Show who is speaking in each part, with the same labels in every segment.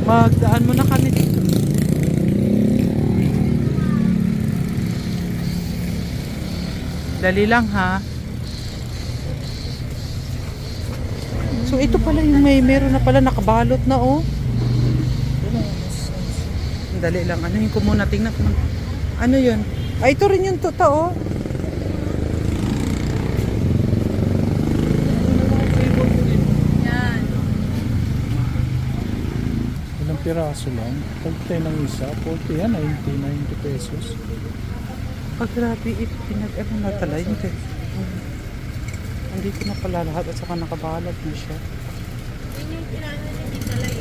Speaker 1: Magdaan muna kami dito. Dali lang ha. So ito pala yung meron na pala nakabalot na oh. Dali lang. Ano yung ko muna tingnan ko. Ano yun? Ay ito rin yung totoo.
Speaker 2: Yan.
Speaker 3: Ilang piraso lang. Pagtay ng isa, 40 yan, 90 pesos.
Speaker 1: Oh, grabe. Pinag-ano na tala yun. Andito na pala lahat at saka nakabalot na siya.
Speaker 2: Yun yung pinano niya di talay.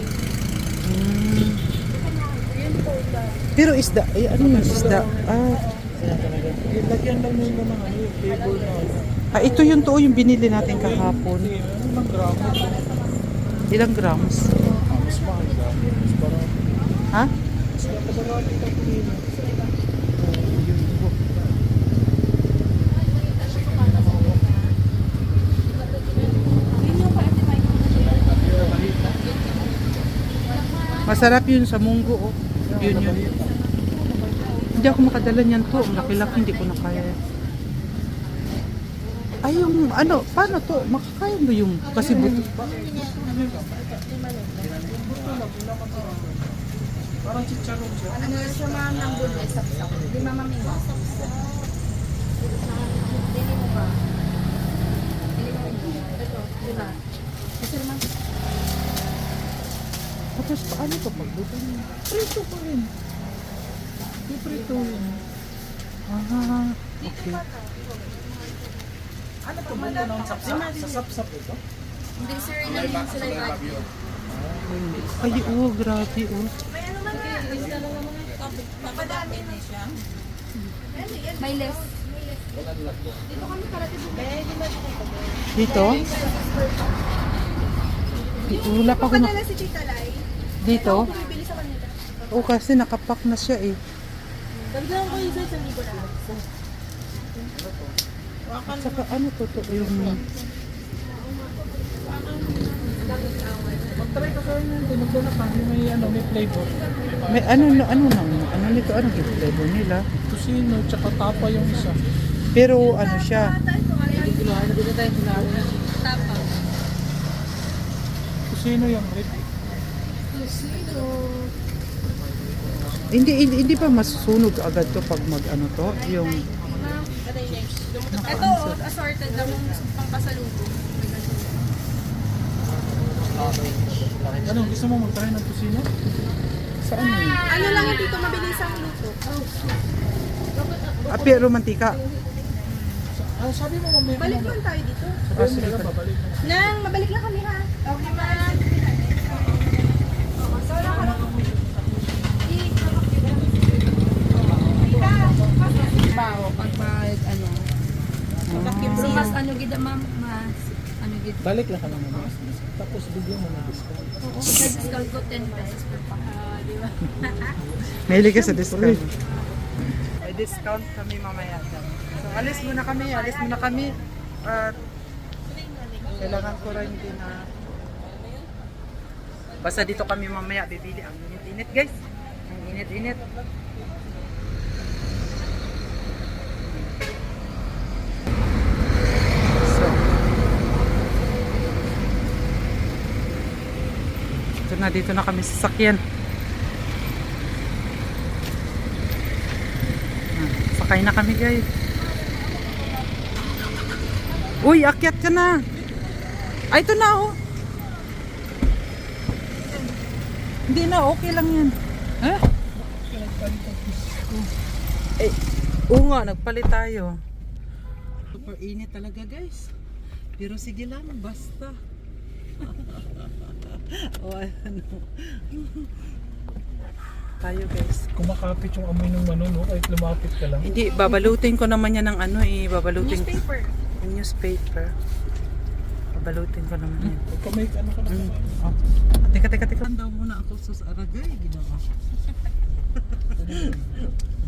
Speaker 2: Yun po ba?
Speaker 1: Pero isda, ay ano yung isda?
Speaker 3: Lagyan lang nila ng ano, yung table na.
Speaker 1: Ito yung to yung binili natin kahapon.
Speaker 3: Ilang gramo?
Speaker 1: Ilang grams?
Speaker 3: Mas mahal ka. Mas parang,
Speaker 1: Ha?
Speaker 3: mas nakabarati ka kilo.
Speaker 1: Masarap yun sa munggo oh. Yun. Hindi ako makadala niyan to. Ang laki-laki, hindi ko na kaya. Ay yung ano, paano to? Makakaya mo yung kasi buto.
Speaker 3: Parang chicharon siya.
Speaker 2: Ano siya ma'am ng bulo, sapsap. Di mamaming mo. Dili mo ba? Dili mo ba? Ito, di ba? Kasi naman,
Speaker 1: Tapos paano to pagbuto niya?
Speaker 3: Prito pa rin. Yung prito yun.
Speaker 1: Ah, okay.
Speaker 3: Ano to? Buto ng sapsap? Sa sapsap ito?
Speaker 2: hindi sir, ilan yung sila yung
Speaker 1: Ay, oh, grabe oh.
Speaker 2: may ano man na. Papadami na siya. May less. Dito kami karate
Speaker 1: Dito? Wala pa ko na.
Speaker 2: Padala si Tita Lai.
Speaker 1: Dito?
Speaker 2: Bibili sa kanila.
Speaker 1: Oh, kasi nakapak na siya eh.
Speaker 2: Dagdagan ko yung sa libo na.
Speaker 1: At saka ano to yung...
Speaker 3: Mag-try ka kayo nyo. Tinagdo na kami. May ano, may flavor.
Speaker 1: May ano nito, ano yung flavor nila?
Speaker 3: Kusino, tsaka tapa yung isa.
Speaker 1: Pero ano siya,
Speaker 2: Tapa.
Speaker 3: Kusino yung rib.
Speaker 1: hindi pa masusunog agad to pag mag ano to, yung
Speaker 2: Ito, assorted lang yung pang pasalubong.
Speaker 3: Ano, gusto mo mag-try ng kusino?
Speaker 1: saan yun?
Speaker 2: Ano lang yung dito, mabilis ang luto.
Speaker 1: Pero mantika.
Speaker 3: Sabi mo mamaya.
Speaker 2: Balik lang tayo dito.
Speaker 3: Sabi mo nila, babalik na.
Speaker 2: Nang, mabalik lang kami ha. Okay, ma'am. Bao, pag ano. So, mas ano gid ma'am, mas ano gid.
Speaker 3: Balik lang ka lang naman. Tapos bigyan mo ng discount.
Speaker 2: Oo, sa discount ko 10 pesos per pack. Di ba?
Speaker 1: Mahilig ka sa discount. May discount kami mamaya dyan. So alis muna kami. At kailangan ko rin din na basta dito kami mamaya bibili. Ang init-init guys. Ang init-init. So dito na kami sa sakyan. Sakay na kami guys. Uy, akyat ka na. Ay, ito na oh. Hindi na, okay lang yan. Ha? Eh, oo nga, nagpalit tayo. Super init talaga guys. Pero sige lang, basta. O ano. Tayo guys.
Speaker 3: Kumakapit yung amoy ng mano, no? Kahit lumapit ka lang.
Speaker 1: Hindi, babalutin ko naman yan ng ano eh. Babalutin ko.
Speaker 2: Newspaper.
Speaker 1: Yung newspaper. Babalutin ko naman yan.
Speaker 3: Pagka may ano ka na.
Speaker 1: Oh. Teka. Tandaan muna ako sa Aragay. Ginawa.